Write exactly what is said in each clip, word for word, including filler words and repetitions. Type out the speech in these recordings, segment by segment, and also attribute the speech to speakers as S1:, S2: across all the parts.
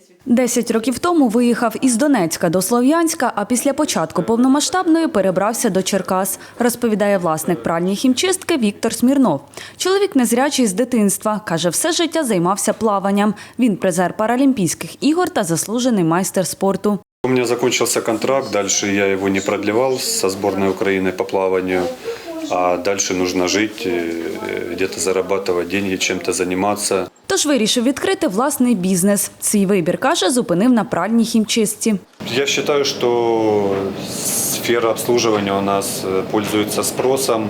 S1: Десять років тому виїхав із Донецька до Слов'янська, а після початку повномасштабної перебрався до Черкас, розповідає власник пральні хімчистки Віктор Смірнов. Чоловік незрячий з дитинства. Каже, все життя займався плаванням. Він призер Паралімпійських ігор та заслужений майстер спорту.
S2: У меня закончился контракт, дальше я его не продлевал со сборной Украины по плаванию, а дальше нужно жить, где-то зарабатывать деньги, чем-то заниматься.
S1: Тож вирішив відкрити власний бізнес. Свій вибір, каже, зупинив на пральній хімчистці.
S2: Я считаю, что сфера обслуживания у нас пользуется спросом,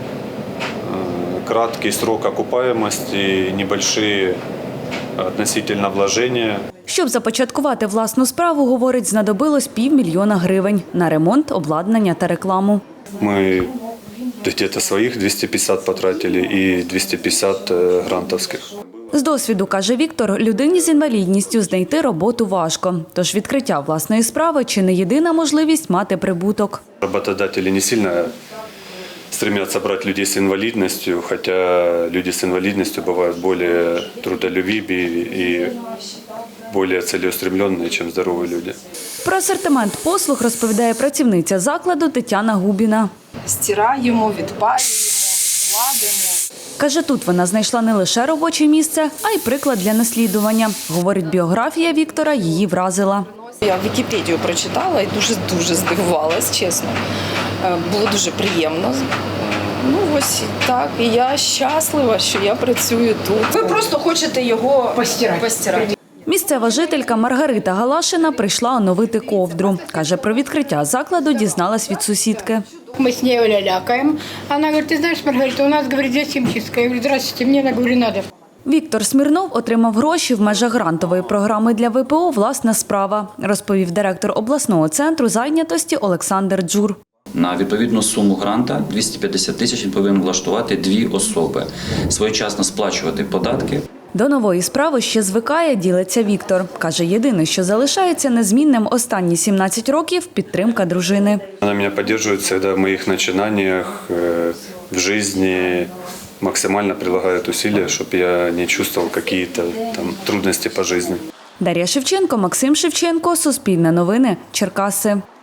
S2: краткий срок окупаемости, небольшие относительно вложения.
S1: Щоб започаткувати власну справу, говорить, знадобилось півмільйона гривень на ремонт, обладнання та рекламу.
S2: Мы где-то своих двести пятьдесят потратили и двести пятьдесят грантовских.
S1: З досвіду, каже Віктор, людині з інвалідністю знайти роботу важко. Тож відкриття власної справи – чи не єдина можливість мати прибуток.
S2: Работодатели не сильно стремятся брать людей с инвалидностью, хотя люди с инвалидностью бывают более трудолюбивые и более целеустремленные, чем здоровые люди.
S1: Про асортимент послуг розповідає працівниця закладу Тетяна Губіна.
S3: Стираємо, відпарюємо, гладимо.
S1: Каже, тут вона знайшла не лише робоче місце, а й приклад для наслідування. Говорить, біографія Віктора її вразила.
S3: Я Вікіпедію прочитала і дуже-дуже здивувалась, чесно. Було дуже приємно. Ну ось так. І я щаслива, що я працюю тут. Ви просто хочете його постирати. постирати.
S1: Місцева жителька Маргарита Галашина прийшла оновити ковдру. Каже, про відкриття закладу дізналась від сусідки.
S4: Мы с ней лялякаем. Она говорит, ты знаешь, Маргарита, у нас, говорит, здесь химчистка. Я говорю, здравствуйте, мне, она говорит, надо.
S1: Віктор Смірнов отримав гроші в межах грантової програми для ВПО «Власна справа», розповів директор обласного центру зайнятості Олександр Джур.
S5: На відповідну суму гранта двісті п'ятдесят тисяч він повинен влаштувати дві особи, своєчасно сплачувати податки.
S1: До нової справи ще звикає, ділиться Віктор. Каже, єдине, що залишається незмінним останні сімнадцять років – підтримка дружини.
S2: Вона мене підтримує завжди в моїх починаннях, в житті, максимально прилагає зусилля, щоб я не чувствував якісь там трудності по житті.
S1: Дар'я Шевченко, Максим Шевченко, Суспільне новини, Черкаси.